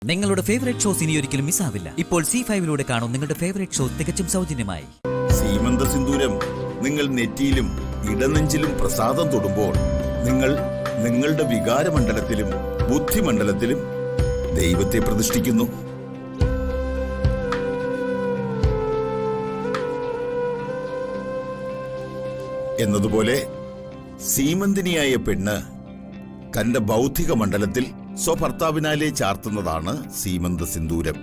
നിങ്ങളുടെ favourite shows ഇനി ഒരിക്കലും മിസ്സാവില്ല. ഇപ്പോൾ C5 കാണും നിങ്ങളുടെ ഫേവറേറ്റ് ഷോ തികച്ചും സൗജന്യമായി. സീമന്ത സിന്ദൂരം നിങ്ങൾ നെറ്റിയിലും ഇടനെഞ്ചിലും പ്രസാദം തൊടുമ്പോൾ നിങ്ങൾ നിങ്ങളുടെ വികാരമണ്ഡലത്തിലും ബുദ്ധിമണ്ഡലത്തിലും ദൈവത്തെ പ്രതിഷ്ഠിക്കുന്നു. എന്നതുപോലെ സീമന്തിനിയായ പെണ്ണ് തന്റെ ബൗദ്ധിക മണ്ഡലത്തിൽ സ്വഭർത്താവിനാലെ ചാർത്തുന്നതാണ് സീമന്ത സിന്ദൂരം.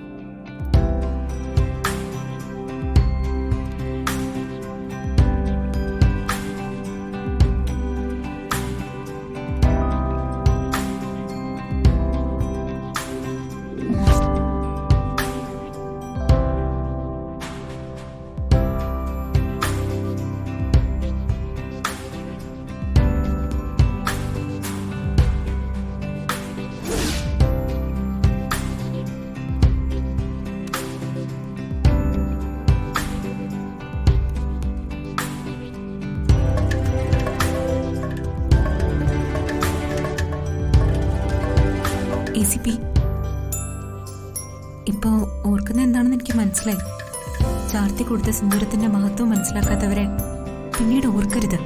ഇപ്പോ ഓർക്കുന്ന എന്താണെന്ന് എനിക്ക് മനസ്സിലായി. ചാർത്തി കൊടുത്ത സിന്ദൂരത്തിന്റെ മഹത്വം മനസ്സിലാക്കാത്തവരെ പിന്നീട് ഓർക്കരുത്.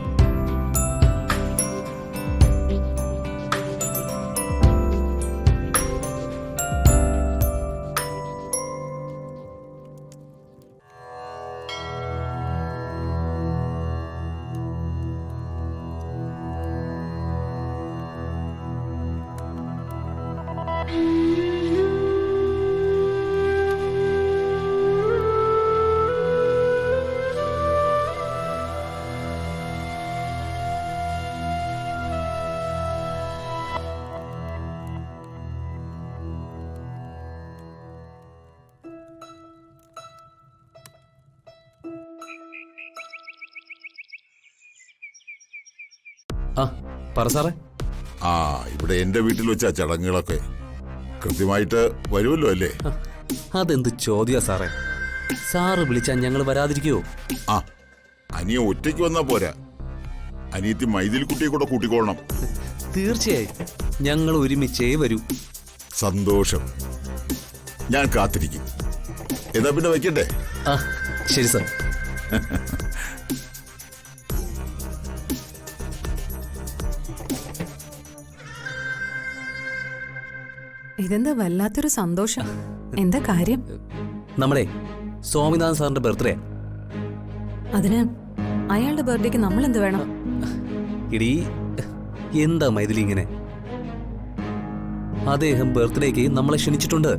ഇവിടെ എന്റെ വീട്ടിൽ വെച്ച ചടങ്ങുകളൊക്കെ കൃത്യമായിട്ട് വരുമല്ലോ അല്ലേ? അതെന്ത് ചോദ്യാ സാറേ? സാറ് വിളിച്ചാൽ ഞങ്ങൾ വരാതിരിക്കുവോ? അനിയ ഒറ്റയ്ക്ക് വന്നാ പോരാ, അനിയത്തി മൈതിൽ കുട്ടിയെ കൂടെ കൂട്ടിക്കൊള്ളണം. തീർച്ചയായും ഞങ്ങൾ ഒരുമിച്ചേ വരൂ. സന്തോഷം, ഞാൻ കാത്തിരിക്കും. എന്നാ പിന്നെ വയ്ക്കട്ടെ? ശരി സാർ. ഇതെന്താ വല്ലാത്തൊരു സന്തോഷം. എന്താ കാര്യം? നമ്മളെ സ്വാമിനാഥൻ സാറിന്റെ ബർത്ത്ഡേ. അതിന് അയാളുടെ ബർത്ത്ഡേക്ക് നമ്മൾ എന്ത് വേണം? ഇടീ എന്താ മൈഥിലി ഇങ്ങനെ? അദ്ദേഹം ബർത്ത്ഡേക്ക് നമ്മളെ ക്ഷണിച്ചിട്ടുണ്ട്.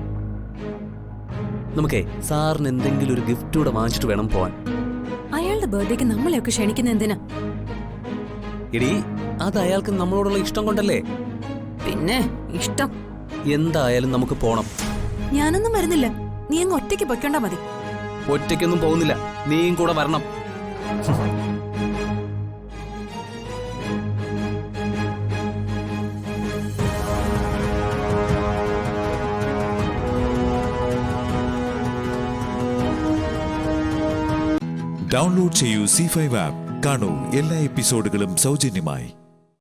നമുക്കേ സാറിന് എന്തെങ്കിലും ഒരു ഗിഫ്റ്റ് കൂടെ വാങ്ങിച്ചിട്ട് വേണം പോവാൻ. അയാളുടെ ബർത്ത്ഡേക്ക് നമ്മളെയൊക്കെ ക്ഷണിക്കുന്ന എന്തിനാ? ഇടീ അത് അയാൾക്ക് നമ്മളോടുള്ള ഇഷ്ടം കൊണ്ടല്ലേ? പിന്നെ ഇഷ്ടം എന്തായാലും നമുക്ക് പോണം. ഞാനൊന്നും വരുന്നില്ല, നീ അങ്ങ് ഒറ്റയ്ക്ക് പൊയ്ക്കൊണ്ടാ മതി. ഒറ്റയ്ക്കൊന്നും പോകുന്നില്ല, നീയും കൂടെ വരണം. ഡൗൺലോഡ് ചെയ്യൂ C5 ആപ്പ്. കാണൂ എല്ലാ എപ്പിസോഡുകളും സൗജന്യമായി.